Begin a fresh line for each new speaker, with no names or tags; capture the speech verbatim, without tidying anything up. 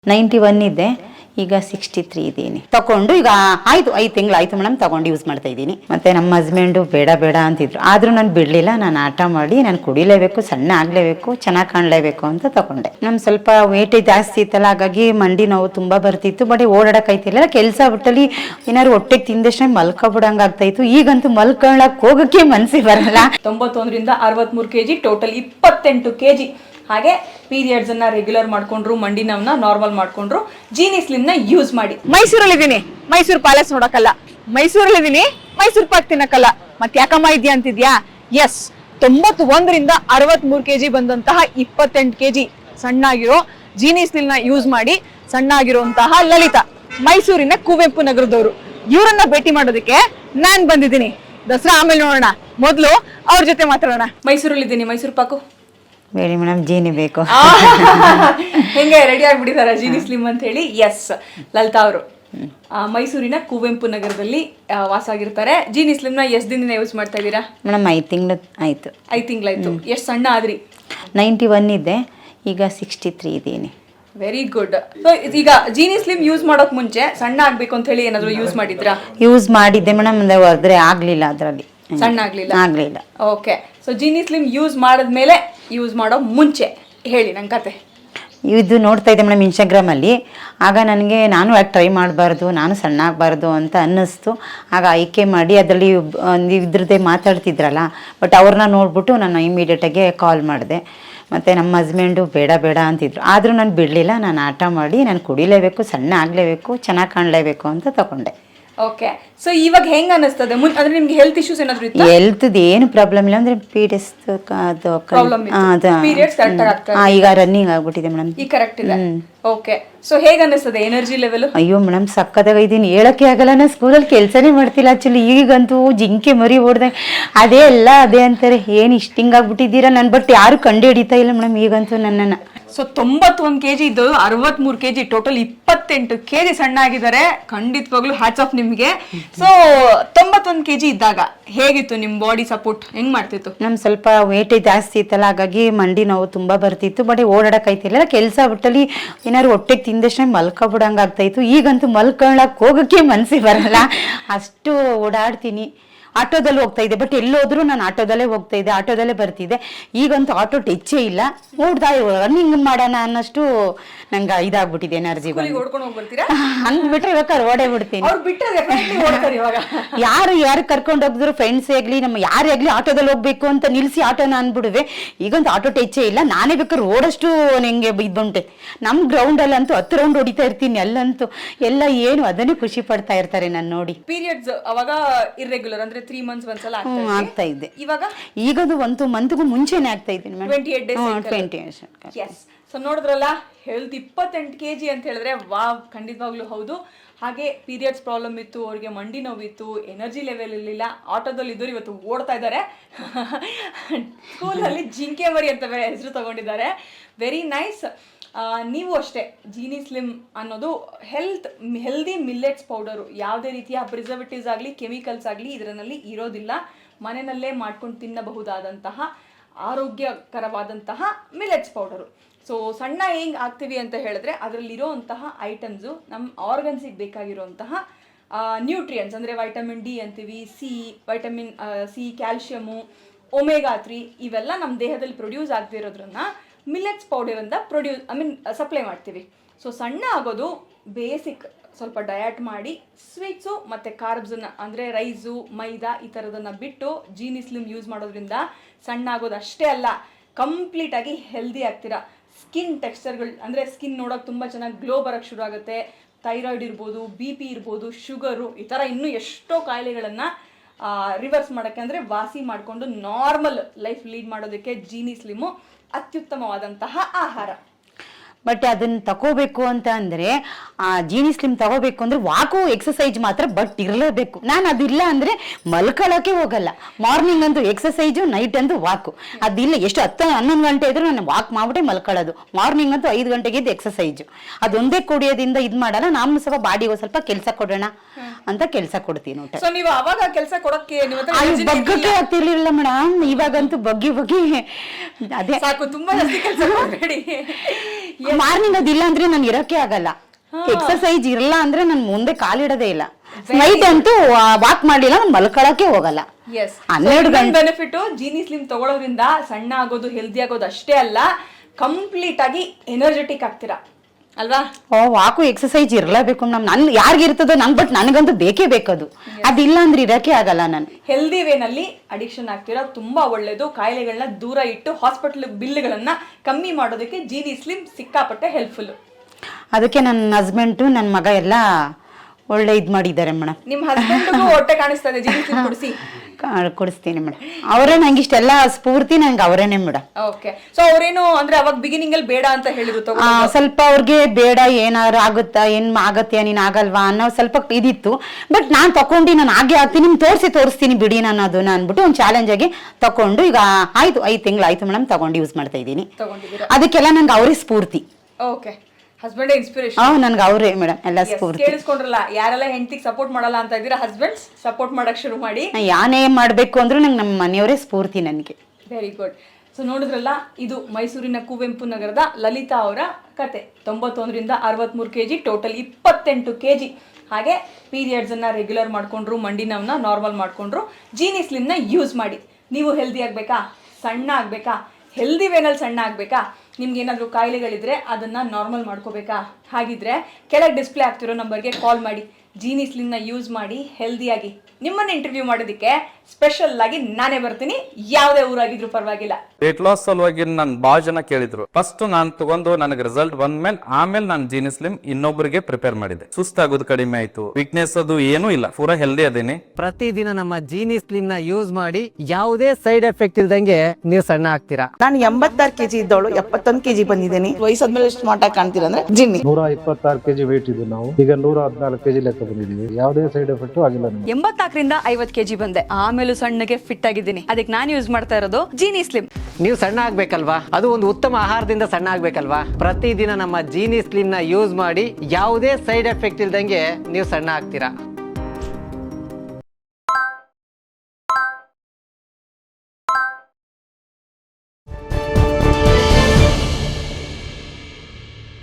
Ninety one ಇದ್ದೆ, ಈಗ sixty three ಇದ್ದೀನಿ. ತಗೊಂಡು ಈಗ ಆಯ್ತು ಐದು ತಿಂಗಳು ಆಯ್ತು ಮೇಡಮ್, ತಗೊಂಡು ಯೂಸ್ ಮಾಡ್ತಾ ಇದ್ದೀನಿ. ಮತ್ತೆ ನಮ್ಮ ಹಸ್ಬೆಂಡು ಬೇಡ ಬೇಡ ಅಂತಿದ್ರು, ಆದ್ರೂ ನಾನು ಬಿಡ್ಲಿಲ್ಲ. ನಾನು ಆಟ ಮಾಡಿ ನಾನು ಕುಡಿಲೇಬೇಕು, ಸಣ್ಣ ಆಗ್ಲೇಬೇಕು, ಚೆನ್ನಾಗಿ ಕಾಣಲೇಬೇಕು ಅಂತ ತಗೊಂಡೆ. ನಮ್ ಸ್ವಲ್ಪ ವೇಟ್ ಜಾಸ್ತಿ ಇತ್ತಲ್ಲ, ಹಾಗಾಗಿ ಮಂಡಿ ನೋವು ತುಂಬಾ ಬರ್ತಿತ್ತು. ಬಟ್ ಓಡಾಡಕ್ ಆಯ್ತಿಲ್ಲ. ಕೆಲಸ ಬಿಟ್ಟಲ್ಲಿ ಏನಾದ್ರು ಹೊಟ್ಟೆಗೆ ತಿಂದಷ್ಟೇ ಮಲ್ಕೊಬಿಡಂಗ್ ಆಗ್ತಾ ಇತ್ತು. ಈಗಂತೂ ಮಲ್ಕೊಳಕ್ ಹೋಗಕ್ಕೆ ಮನ್ಸಿ ಬರಲ್ಲ.
ತೊಂಬತ್ತೊಂದರಿಂದ ಅರವತ್ಮೂರು ಕೆಜಿ, ಟೋಟಲ್ ಇಪ್ಪತ್ತೆಂಟು ಕೆಜಿ. ಹಾಗೆ ಪೀರಿಯಡ್ಸ್ ಅನ್ನ ರೆಗ್ಯುಲರ್ ಮಾಡ್ಕೊಂಡ್ರು, ಮಂಡಿ ನೋವನ್ನ ನಾರ್ಮಲ್ ಮಾಡ್ಕೊಂಡ್ರು. ಜೀನಿ ಸ್ಲಿಮ್ ನ ಯೂಸ್ ಮಾಡಿ.
ಮೈಸೂರಲ್ಲಿ ಇದೀನಿ, ಮೈಸೂರು ಪ್ಯಾಲೇಸ್ ನೋಡಕ್ಕಲ್ಲ. ಮೈಸೂರಲ್ಲಿ ಇದೀನಿ, ಮೈಸೂರು ಪಾಕ್ ತಿನ್ನಕ್ಕಲ್ಲ. ಮತ್ತೆ ಯಾಕಮ್ಮ ಇದೆಯಾ ಅಂತಿದ್ಯಾ? ಎಸ್, ತೊಂಬತ್ ಒಂದರಿಂದ ಅರವತ್ ಮೂರು ಕೆಜಿ ಬಂದಂತಹ ಇಪ್ಪತ್ತೆಂಟು ಕೆಜಿ ಸಣ್ಣಾಗಿರೋ ಜೀನಿ ಸ್ಲಿಮ್ ನ ಯೂಸ್ ಮಾಡಿ ಸಣ್ಣಾಗಿರುವಂತಹ ಲಲಿತಾ, ಮೈಸೂರಿನ ಕುವೆಂಪು ನಗರದವರು. ಇವರನ್ನ ಭೇಟಿ ಮಾಡೋದಕ್ಕೆ ನಾನ್ ಬಂದಿದ್ದೀನಿ. ದಸರಾ ಆಮೇಲೆ ನೋಡೋಣ, ಮೊದ್ಲು ಅವ್ರ ಜೊತೆ ಮಾತಾಡೋಣ.
ಮೈಸೂರಲ್ಲಿ ಇದೀನಿ, ಮೈಸೂರು ಪಾಕು
ಬೇಡಿ ಮೇಡಮ್, ಜೀನಿ ಬೇಕು.
ಹೆಂಗೆ ರೆಡಿ ಆಗ್ಬಿಟ್ಟಿದಾರ ಜೀನಿ ಸ್ಲಿಮ್ ಅಂತ ಹೇಳಿ. ಎಸ್, ಲಲಿತಾ ಅವರು ಮೈಸೂರಿನ ಕುವೆಂಪು ನಗರದಲ್ಲಿ ವಾಸ ಆಗಿರ್ತಾರೆ. ಜೀನಿ ಸ್ಲಿಮ್ ನ ಎಷ್ಟ್ ದಿನ ಯೂಸ್ ಮಾಡ್ತಾ ಇದೀರಾ
ಮೇಡಮ್? ಐದು ತಿಂಗಳು ಆಯ್ತು.
ಐದು ತಿಂಗಳಾಯ್ತು. ಎಷ್ಟ್ ಸಣ್ಣ ಆದ್ರಿ?
ನೈಂಟಿ ಒನ್ ಇದ್ದೆ, ಈಗ ಸಿಕ್ಸ್ಟಿ ತ್ರೀ ಇದ್ದೀನಿ.
Very good. ಸೊ ಈಗ ಜೀನಿ ಸ್ಲಿಮ್ ಯೂಸ್ ಮಾಡೋಕ್ ಮುಂಚೆ ಸಣ್ಣ ಆಗ್ಬೇಕು ಅಂತ ಹೇಳಿ ಏನಾದ್ರು ಯೂಸ್ ಮಾಡಿದ್ರಾ?
ಯೂಸ್ ಮಾಡಿದ್ದೆ ಮೇಡಮ್, ಅಂದ್ರೆ ಆಗ್ಲಿಲ್ಲ, ಅದ್ರಲ್ಲಿ
ಸಣ್ಣ ಆಗ್ಲಿಲ್ಲ
ಆಗ್ಲಿಲ್ಲ.
Okay. So Jeeni slim use ಮಾಡಿದ್ಮೇಲೆ, ಯೂಸ್ ಮಾಡೋ ಮುಂಚೆ ಹೇಳಿ ನಂಗೆ ಕತೆ.
ಇದು ನೋಡ್ತಾ ಇದ್ದೆ ಮೇಡಮ್ ಇನ್ಸ್ಟಾಗ್ರಾಮಲ್ಲಿ. ಆಗ ನನಗೆ ನಾನು ಯಾಕೆ ಟ್ರೈ ಮಾಡಬಾರ್ದು, ನಾನು ಸಣ್ಣ ಆಗಬಾರ್ದು ಅಂತ ಅನ್ನಿಸ್ತು. ಆಗ ಆಯ್ಕೆ ಮಾಡಿ ಅದರಲ್ಲಿ ಇದ್ರದ್ದೇ ಮಾತಾಡ್ತಿದ್ರಲ್ಲ, ಬಟ್ ಅವ್ರನ್ನ ನೋಡ್ಬಿಟ್ಟು ನಾನು ಇಮಿಡಿಯೇಟಾಗಿ ಕಾಲ್ ಮಾಡಿದೆ. ಮತ್ತು ನಮ್ಮ ಹಸ್ಬೆಂಡು ಬೇಡ ಬೇಡ ಅಂತಿದ್ರು, ಆದರೂ ನಾನು ಬಿಡಲಿಲ್ಲ. ನಾನು ಆಟ ಮಾಡಿ ನಾನು ಕುಡಿಲೇಬೇಕು, ಸಣ್ಣ ಆಗಲೇಬೇಕು, ಚೆನ್ನಾಗಿ ಕಾಣಲೇಬೇಕು ಅಂತ ತಗೊಂಡೆ.
ಓಕೆ. ಸೊ ಇವಾಗ ಹೆಂಗ್ ಅನಿಸ್ತದೆ? ಮುನ್ ಅಂದ್ರೆ ನಿಮ್ಗೆ ಹೆಲ್ತ್ ಇಶ್ಯೂಸ್ ಏನಾದ್ರು ಇತ್ತಾ?
ಹೆಲ್ತ್ ಏನು ಪ್ರಾಬ್ಲಮ್ ಇಲ್ಲ, ಅಂದ್ರೆ ಪೀರಿಯಡ್ಸ್ ಅದು
ಪೀರಿಯಡ್ಸ್ ಕರೆಕ್ಟ್ ಆಗ್ತದೆ.
ಈಗ ರನ್ನಿಂಗ್ ಆಗ್ಬಿಟ್ಟಿದೆ ಮೇಡಮ್.
ಈ ಕರೆಕ್ಟ್ ಇದೆ. ಓಕೆ. ಸೊ ಹೇಗೆ ಅನಿಸ್ತದೆ ಎನರ್ಜಿ ಲೆವೆಲ್?
ಅಯ್ಯೋ ಮೇಡಮ್, ಸಕ್ಕತ್ತಾಗ ಇದೀನಿ, ಹೇಳಕ್ಕೆ ಆಗಲ್ಲ. ನಾನು ಸ್ಕೂಲಲ್ಲಿ ಕೆಲಸನೇ ಮಾಡ್ತಿಲ್ಲ ಆಕ್ಚುಲಿ. ಈಗಂತೂ ಜಿಂಕೆ ಮರಿ ಓಡ್ದೆ ಅದೇ ಎಲ್ಲ ಅದೇ ಅಂತಾರೆ, ಏನು ಇಷ್ಟು ಹಿಂಗಾಗ್ಬಿಟ್ಟಿದ್ದೀರಾ ನಾನು. ಬಟ್ ಯಾರು ಕಂಡು ಹಿಡಿತಾ ಇಲ್ಲ ಮೇಡಮ್ ಈಗಂತೂ ನನ್ನನ್ನು.
ಸೊ ತೊಂಬತ್ತೊಂದು ಕೆಜಿ ಇದ್ದು ಅರವತ್ಮೂರು ಕೆಜಿ, ಟೋಟಲ್ ಇಪ್ಪತ್ತೆಂಟು ಕೆಜಿ ಸಣ್ಣ ಆಗಿದ್ದಾರೆ. ಖಂಡಿತವಾಗ್ಲೂ ಹ್ಯಾಟ್ಸ್ ಆಫ್ ನಿಮ್ಗೆ. ಸೊ ತೊಂಬತ್ತೊಂದು ಕೆಜಿ ಇದ್ದಾಗ ಹೇಗಿತ್ತು ನಿಮ್ ಬಾಡಿ ಸಪೋರ್ಟ್? ಹೆಂಗ್ ಮಾಡ್ತಿತ್ತು?
ನಮ್ ಸ್ವಲ್ಪ ವೇಟ್ ಜಾಸ್ತಿ ಇತ್ತಲ್ಲ, ಹಾಗಾಗಿ ಮಂಡಿ ನೋವು ತುಂಬಾ ಬರ್ತಿತ್ತು. ಬಟ್ ಓಡಾಡಕ್ ಆಯ್ತಿಲ್ಲ. ಕೆಲಸ ಬಿಟ್ಟಲ್ಲಿ ಏನಾದ್ರು ಹೊಟ್ಟೆಗೆ ತಿಂದಷ್ಟೇ ಮಲ್ಕೊಬಿಡಂಗ್ ಆಗ್ತಾ ಇತ್ತು. ಈಗಂತೂ ಮಲ್ಕೊಳಕ್ ಹೋಗಕ್ಕೆ ಮನ್ಸಿ ಬರಲ್ಲ, ಅಷ್ಟು ಓಡಾಡ್ತೀನಿ. ಆಟೋದಲ್ಲಿ ಹೋಗ್ತಾ ಇದ್ದೆ, ಬಟ್ ಎಲ್ಲೋದ್ರೂ ನಾನು ಆಟೋದಲ್ಲೇ ಹೋಗ್ತಾ ಇದ್ದೆ, ಆಟೋದಲ್ಲೇ ಬರ್ತಿದ್ದೆ. ಈಗಂತೂ ಆಟೋ ಟೆಚ್ಚೇ ಇಲ್ಲ. ಓಡ್ದಾ ರನ್ನಿಂಗ್ ಮಾಡೋಣ ಅನ್ನಷ್ಟು ನಂಗೆ ಇದಾಗ್ಬಿಟ್ಟಿದೆ, ಎನರ್ಜಿ
ಓಡ್ಕೊಂಡು ಹೋಗ್ಬರ್ತೀರಾ?
ಹಂಗ್ ಬಿಟ್ರೆ ಬೇಕಾದ್ರೆ ಓಡೇ ಬಿಡ್ತೀನಿ. ಯಾರು ಯಾರು ಕರ್ಕೊಂಡು ಹೋಗಿದ್ರು, ಫ್ರೆಂಡ್ಸ್ ಆಗ್ಲಿ ನಮ್ಮ ಯಾರೇ ಆಗ್ಲಿ, ಆಟೋದಲ್ಲಿ ಹೋಗ್ಬೇಕು ಅಂತ ನಿಲ್ಸಿ ಆಟೋನ ಅನ್ಬಿಡುವೆ. ಈಗಂತೂ ಆಟೋ ಟೆಚ್ಚೇ ಇಲ್ಲ. ನಾನೇ ಬೇಕಾದ್ರೆ ಓಡಷ್ಟು ನಂಗೆ ಇದ್ಬಂಟೆ. ನಮ್ ಗ್ರೌಂಡ್ ಅಲ್ಲಂತೂ ಹತ್ತು ರೌಂಡ್ ಹೊಡಿತಾ ಇರ್ತೀನಿ. ಅಲ್ಲಂತೂ ಎಲ್ಲ ಏನು ಅದನ್ನೇ ಖುಷಿ ಪಡ್ತಾ ಇರ್ತಾರೆ ನಾನು ನೋಡಿ.
ಪೀರಿಯಡ್ಸ್ ಅವಾಗ ಇರ್ರೆಗ್ಯುಲರ್ ಅಂದ್ರೆ ತ್ರೀ ಮಂತ್ಸ್ ಒಂದ್ಸಲ
ಆಗ್ತಾ ಇದ್ದೆ.
ಇವಾಗ
ಈಗದು ಒಂದು ಮಂತ್ಗೂ ಮುಂಚೆನೆ ಆಗ್ತಾ ಇದ್ದೀನಿ madam.
Twenty eight days.
Twenty eight.
Yes. So ನೋಡಿದ್ರಲ್ಲ, ಹೆಲ್ತ್ ಇಪ್ಪತ್ತೆಂಟು ಕೆಜಿ ಅಂತ ಹೇಳಿದ್ರೆ ವಾವ್, ಖಂಡಿತವಾಗ್ಲೂ ಹೌದು. ಹಾಗೆ ಪೀರಿಯಡ್ಸ್ ಪ್ರಾಬ್ಲಮ್ ಇತ್ತು, ಅವ್ರಿಗೆ ಮಂಡಿ ನೋವಿತ್ತು, ಎನರ್ಜಿ ಲೆವೆಲ್ ಇರಲಿಲ್ಲ, ಆಟೋದಲ್ಲಿ ಇದ್ದವರು ಇವತ್ತು ಓಡ್ತಾ ಇದ್ದಾರೆ. ಸ್ಕೂಲಲ್ಲಿ ಜಿಂಕೆ ಮರಿ ಅಂತ ಬೇರೆ ಹೆಸರು ತಗೊಂಡಿದ್ದಾರೆ. Very nice. ನೀವು ಅಷ್ಟೇ, ಜೀನಿ ಸ್ಲಿಮ್ ಅನ್ನೋದು ಹೆಲ್ತ್ ಹೆಲ್ದಿ ಮಿಲ್ಲೆಟ್ಸ್ ಪೌಡರು. ಯಾವುದೇ ರೀತಿಯ ಪ್ರಿಸರ್ವೇಟಿವ್ಸ್ ಆಗಲಿ ಕೆಮಿಕಲ್ಸ್ ಆಗಲಿ ಇದರಲ್ಲಿ ಇರೋದಿಲ್ಲ. ಮನೆಯಲ್ಲೇ ಮಾಡ್ಕೊಂಡು ತಿನ್ನಬಹುದಾದಂತಹ ಆರೋಗ್ಯಕರವಾದಂತಹ ಮಿಲೆಟ್ಸ್ ಪೌಡರು. ಸೊ ಸಣ್ಣ ಹೆಂಗೆ ಆಗ್ತೀವಿ ಅಂತ ಹೇಳಿದ್ರೆ ಅದರಲ್ಲಿರೋಂತಹ ಐಟಮ್ಸು ನಮ್ಮ ಆರ್ಗನ್ಸಿಗೆ ಬೇಕಾಗಿರುವಂತಹ ನ್ಯೂಟ್ರಿಯೆಂಟ್ಸ್, ಅಂದರೆ ವೈಟಮಿನ್ ಡಿ ಅಂತೀವಿ, C vitamin C, calcium, omega three, ಇವೆಲ್ಲ ನಮ್ಮ ದೇಹದಲ್ಲಿ ಪ್ರೊಡ್ಯೂಸ್ ಆಗದಿರೋದ್ರನ್ನ ಮಿಲೆಟ್ಸ್ ಪೌಡರಿಂದ ಪ್ರೊಡ್ಯೂಸ್ ಐ ಮೀನ್ ಸಪ್ಲೈ ಮಾಡ್ತೀವಿ. ಸೊ ಸಣ್ಣ ಆಗೋದು ಬೇಸಿಕ್. ಸ್ವಲ್ಪ ಡಯಟ್ ಮಾಡಿ ಸ್ವೀಟ್ಸು ಮತ್ತು ಕಾರ್ಬ್ಸನ್ನು ಅಂದರೆ ರೈಸು, ಮೈದಾ ಈ ಥರದನ್ನು ಬಿಟ್ಟು ಜೀನಿ ಸ್ಲಿಮ್ ಯೂಸ್ ಮಾಡೋದ್ರಿಂದ ಸಣ್ಣ ಆಗೋದು ಅಷ್ಟೇ ಅಲ್ಲ, ಕಂಪ್ಲೀಟಾಗಿ ಹೆಲ್ದಿ ಆಗ್ತೀರಾ. ಸ್ಕಿನ್ ಟೆಕ್ಸ್ಚರ್ಗಳು ಅಂದರೆ ಸ್ಕಿನ್ ನೋಡೋಕೆ ತುಂಬ ಚೆನ್ನಾಗಿ ಗ್ಲೋ ಬರೋಕ್ಕೆ ಶುರು ಆಗುತ್ತೆ. ಥೈರಾಯ್ಡ್ ಇರ್ಬೋದು, ಬಿ ಪಿ ಇರ್ಬೋದು, ಶುಗರು, ಈ ಥರ ಇನ್ನೂ ಎಷ್ಟೋ ಕಾಯಿಲೆಗಳನ್ನು ರಿವರ್ಸ್ ಮಾಡೋಕ್ಕೆ ಅಂದರೆ ವಾಸಿ ಮಾಡಿಕೊಂಡು ನಾರ್ಮಲ್ ಲೈಫ್ ಲೀಡ್ ಮಾಡೋದಕ್ಕೆ ಜೀನಿ ಸ್ಲಿಮ್ಮು ಅತ್ಯುತ್ತಮವಾದಂತಹ ಆಹಾರ.
ಬಟ್ ಅದನ್ನ ತಗೋಬೇಕು ಅಂತ ಅಂದ್ರೆ ಆ ಜೀನಿ ಸ್ಲಿಮ್ ತಗೋಬೇಕು ಅಂದ್ರೆ ವಾಕು ಎಕ್ಸಸೈಜ್ ಮಾತ್ರ ಬಟ್ ಇರಲೇಬೇಕು. ನಾನು ಅದಿಲ್ಲ ಅಂದ್ರೆ ಮಲ್ಕೊಳಕ್ಕೆ ಹೋಗಲ್ಲ. ಮಾರ್ನಿಂಗ್ ಅಂತೂ ಎಕ್ಸಸೈಜು, ನೈಟ್ ಅಂತೂ ವಾಕು. ಅದಿಲ್ಲ, ಎಷ್ಟು ಹತ್ತು ಹನ್ನೊಂದು ಗಂಟೆ ಇದ್ರೂ ನಾನು ವಾಕ್ ಮಾಡ್ಬಿಟ್ಟೆ ಮಲ್ಕೊಳ್ಳೋದು. ಮಾರ್ನಿಂಗ್ ಅಂತೂ ಐದು ಗಂಟೆಗೆ ಇದ್ದು ಎಕ್ಸಸೈಜು. ಅದೊಂದೇ ಕುಡಿಯೋದ್ರಿಂದ ಇದ್ ಮಾಡಲ್ಲ. ನಾನು ಸ್ವಲ್ಪ ಬಾಡಿಗೆ ಸ್ವಲ್ಪ ಕೆಲಸ ಕೊಡೋಣ ಅಂತ ಕೆಲಸ ಕೊಡ್ತೀನಿ. ಊಟ
ನೀವು ಅವಾಗ ಕೆಲಸ ಕೊಡಕ್ಕೆ
ಬಗ್ಗಕ್ಕೆ ಆಗ್ತಿರ್ಲಿಲ್ಲ ಮೇಡಮ್. ಇವಾಗಂತೂ ಬಗ್ಗಿ ಬಗ್ಗಿ ಅದೇ
ಸಾಕು, ತುಂಬಾ ಜಾಸ್ತಿ ಕೆಲಸ ಮಾಡಬೇಡಿ.
ಮಾರ್ನಿಂಗ್ ಅದಿಲ್ಲ ಅಂದ್ರೆ ನಾನು ಇರಕ್ಕೆ ಆಗಲ್ಲ. ಎಕ್ಸರ್ಸೈಸ್ ಇರಲ್ಲ ಅಂದ್ರೆ ನಾನು ಮುಂದೆ ಕಾಲಿಡೋದೇ ಇಲ್ಲ. ನೈಟ್ ಅಂತೂ ವಾಕ್ ಮಾಡ್ಲಿಲ್ಲ ನಾನು ಮಲ್ಕೊಳಕ್ಕೆ ಹೋಗಲ್ಲ.
ಎಸ್,
ಹನ್ನೆರಡು ಗಂಟೆ
ಬೆನಿಫಿಟ್ ಜೀನಿ ಸ್ಲಿಮ್ ತಗೊಳ್ಳೋದ್ರಿಂದ ಸಣ್ಣ ಆಗೋದು, ಹೆಲ್ದಿ ಆಗೋದು ಅಷ್ಟೇ ಅಲ್ಲ, ಕಂಪ್ಲೀಟ್ ಆಗಿ ಎನರ್ಜೆಟಿಕ್ ಆಗ್ತೀರಾ ಅಲ್ವಾ?
ಓ ವಾಕು ಎಕ್ಸರ್ಸೈಸ್ ಇರಲೇಬೇಕು ನಮ್ ನನ್ ಯಾರಿಗಿರ್ತದೋ ನನ್ ಬಟ್ ನನಗಂತೂ ಬೇಕೇ ಬೇಕದು. ಅದಿಲ್ಲ ಅಂದ್ರೆ ಇರಕ್ಕೆ ಆಗಲ್ಲ ನಾನು.
ಹೆಲ್ದಿ ವೇನಲ್ಲಿ ಅಡಿಕ್ಷನ್ ಆಗ್ತೀರಾ, ತುಂಬಾ ಒಳ್ಳೇದು. ಕಾಯಿಲೆಗಳನ್ನ ದೂರ ಇಟ್ಟು ಹಾಸ್ಪಿಟಲ್ ಬಿಲ್ಗಳನ್ನ ಕಮ್ಮಿ ಮಾಡೋದಕ್ಕೆ ಜೀನಿ ಸ್ಲಿಮ್ ಸಿಕ್ಕಾಪಟ್ಟೆ ಹೆಲ್ಪ್ಫುಲ್.
ಅದಕ್ಕೆ ನನ್ನ ಹಸ್ಬೆಂಡು ನನ್ನ ಮಗ ಎಲ್ಲ ಒಳ್ಳೆ ಇದ್ ಮಾಡಿದ್ದಾರೆ ಮೇಡಮ್.
ನಿಮ್ ಹಸ್ಬೆಂಡ್ಗೂ ಹೊಟ್ಟೆ ಕಾಣಿಸ್ತಾ ಇದೆ ಜೀನಿ ಸ್ಲಿಮ್ ಕುಡಿಸಿ?
ಕೊಡಿಸ್ತೀನಿ ಮೇಡಮ್. ಅವರೇ ನಂಗೆ ಇಷ್ಟೆಲ್ಲ ಸ್ಫೂರ್ತಿ, ನಂಗೆ ಅವರೇನೆ ಮೇಡಮ್.
ಓಕೆ, ಸೊ ಅವ್ರೇನು ಅಂದ್ರೆ ಅವಾಗ ಬಿಗಿನಿಂಗ್ ಅಲ್ಲಿ ಬೇಡ ಅಂತ ಹೇಳಿದ್ರು,
ಸ್ವಲ್ಪ ಅವ್ರಿಗೆ ಬೇಡ, ಏನಾರು ಆಗುತ್ತಾ, ಏನ್ ಆಗತ್ತೀಯ ನೀನ್ ಆಗಲ್ವಾ ಅನ್ನೋ ಸ್ವಲ್ಪ ಇದಿತ್ತು. ಬಟ್ ನಾನ್ ತಕೊಂಡು ನಾನು ಹಾಗೆ ಆಗ್ತೀನಿ, ನಿಮ್ ತೋರಿಸಿ ತೋರಿಸ್ತೀನಿ ಬಿಡಿ ನಾನು ಅದನ್ನ ಅನ್ಬಿಟ್ಟು ಒಂದು ಚಾಲೆಂಜ್ ಆಗಿ ತಕೊಂಡು ಈಗ ಆಯ್ತು ಐದು ತಿಂಗಳು ಆಯ್ತು ಮೇಡಮ್ ತಗೊಂಡು ಯೂಸ್ ಮಾಡ್ತಾ ಇದ್ದೀನಿ. ಅದಕ್ಕೆಲ್ಲ ನಂಗೆ ಅವರೇ ಸ್ಫೂರ್ತಿ.
Okay, husband inspiration.
ಹಾ ನನ್ಗೆ ಅವರೇ ಮೇಡಮ್ ಎಲ್ಲ ಸ್ಫೂರ್ತಿ.
ಕೇಳಿಸ್ಕೊಂಡ್ರಲ್ಲ, ಯಾರೆಲ್ಲ ಹೆಂಡತಿಗೆ ಸಪೋರ್ಟ್ ಮಾಡಲ್ಲ ಅಂತ ಇದ್ದೀರಾ, ಹಸ್ಬೆಂಡ್ಸ್ ಸಪೋರ್ಟ್ ಮಾಡಕ್ ಶುರು ಮಾಡಿ.
ಯಾನೇ ಮಾಡ್ಬೇಕು ಅಂದ್ರೂ ನಂಗೆ ನಮ್ಮ ಮನೆಯವರೇ ಸ್ಫೂರ್ತಿ ನನಗೆ.
Very good. ಸೊ ನೋಡಿದ್ರಲ್ಲ, ಇದು ಮೈಸೂರಿನ ಕುವೆಂಪು ನಗರದ ಲಲಿತಾ ಅವರ ಕತೆ. ತೊಂಬತ್ತೊಂದರಿಂದ ಅರವತ್ಮೂರು ಕೆಜಿ, ಟೋಟಲ್ ಇಪ್ಪತ್ತೆಂಟು ಕೆಜಿ. ಹಾಗೆ ಪೀರಿಯಡ್ಸ್ ಅನ್ನ ರೆಗ್ಯುಲರ್ ಮಾಡ್ಕೊಂಡ್ರು, ಮಂಡಿ ನೋವನ್ನ ನಾರ್ಮಲ್ ಮಾಡ್ಕೊಂಡ್ರು. ಜೀನಿ ಸ್ಲಿಮ್ ನ ಯೂಸ್ ಮಾಡಿ. ನೀವು ಹೆಲ್ದಿ ಆಗ್ಬೇಕಾ, ಸಣ್ಣ ಆಗ್ಬೇಕಾ, ಹೆಲ್ದಿ ವೇನಲ್ಲಿ ಸಣ್ಣ ಆಗ್ಬೇಕಾ, ನಿಮ್ಗೆ ಏನಾದರೂ ಕಾಯಿಲೆಗಳಿದ್ರೆ ಅದನ್ನ ನಾರ್ಮಲ್ ಮಾಡ್ಕೋಬೇಕಾ, ಹಾಗಿದ್ರೆ ಕೆಳಗೆ ಡಿಸ್ಪ್ಲೇ ಆಗ್ತಿರೋ ನಂಬರ್ಗೆ ಕಾಲ್ ಮಾಡಿ. ಜೀನಿ ಸ್ಲಿಮ್ನ ಯೂಸ್ ಮಾಡಿ ಹೆಲ್ದಿಯಾಗಿ. ನಿಮ್ಮನ್ನ ಇಂಟರ್ವ್ಯೂ ಮಾಡೋದಕ್ಕೆ ಸ್ಪೆಷಲ್ ಆಗಿ ನಾನೇ ಬರ್ತೀನಿ, ಯಾವುದೇ ಊರಾಗಿದ್ರು ಪರವಾಗಿಲ್ಲ.
ವೇಟ್ ಲಾಸ್ ಸಲುವಾಗಿ ನನ್ ಬಾಳ ಜನ ಕೇಳಿದ್ರು. ಫಸ್ಟ್ ನಾನ್ ತಗೊಂಡು ನನಗೆ ರಿಸಲ್ಟ್ ಬಂದ್ಮೇಲೆ ಆಮೇಲೆ ನಾನು ಜೀನಿ ಸ್ಲಿಮ್ ಇನ್ನೊಬ್ಬರಿಗೆ ಪ್ರಿಪೇರ್ ಮಾಡಿದೆ. ಸುಸ್ತಾಗೋದು ಕಡಿಮೆ ಆಯ್ತು, ವೀಕ್ನೆಸ್ ಅದು ಏನೂ ಇಲ್ಲ, ಪೂರಾ ಹೆಲ್ದಿ ಅದೇನಿ.
ಪ್ರತಿದಿನ ನಮ್ಮ ಜೀನಿ ಸ್ಲಿಮ್ ನ ಯೂಸ್ ಮಾಡಿ ಯಾವುದೇ ಸೈಡ್ ಎಫೆಕ್ಟ್ ಇಲ್ದಂಗೆ ನೀವು ಸಣ್ಣ ಆಗ್ತೀರಾ.
ನಾನು ಎಂಬತ್ತಾರು ಕೆಜಿ ಇದ್ದವಳು ಎಪ್ಪತ್ತೊಂದು ಕೆಜಿ ಬಂದಿದ್ದೀನಿ. ವಯಸ್ಸಾದ್ಮೇಲೆ ಸ್ಮಾರ್ಟ್ ಆಗಿ ಕಾಣ್ತೀರಾ ಅಂದ್ರೆ ಜಿನ್ನಿ.
ನೂರ ಇಪ್ಪತ್ತಾರು ಕೆಜಿ ವೇಟ್ ಇದ್ದು ನಾವು ಈಗ ನೂರ ಹದಿನಾಲ್ಕು ಕೆಜಿ ಲೆಕ್ಕ ಬಂದಿದ್ದೀವಿ. ಯಾವುದೇ ಸೈಡ್ ಎಫೆಕ್ಟ್ ಆಗಿಲ್ಲ.
ಎಂಬತ್ನಾಲ್ಕರಿಂದ ಐವತ್ತು ಕೆಜಿ ಬಂದೆ, ಆಮೇಲೂ ಸಣ್ಣಗೆ ಫಿಟ್ ಆಗಿದ್ದೀನಿ. ಅದಕ್ಕೆ ನಾನು ಯೂಸ್ ಮಾಡ್ತಾ ಇರೋದು ಜೀನಿ ಸ್ಲಿಮ್.
ನೀವು ಸಣ್ಣ ಆಗ್ಬೇಕಲ್ವಾ, ಅದು ಒಂದು ಉತ್ತಮ ಆಹಾರದಿಂದ ಸಣ್ಣ ಆಗ್ಬೇಕಲ್ವಾ. ಪ್ರತಿದಿನ ನಮ್ಮ ಜೀನಿ ಸ್ಲಿಮ್ ನ ಯೂಸ್ ಮಾಡಿ ಯಾವುದೇ ಸೈಡ್ ಎಫೆಕ್ಟ್ ಇಲ್ದಂಗೆ ನೀವು ಸಣ್ಣ ಆಗ್ತೀರಾ.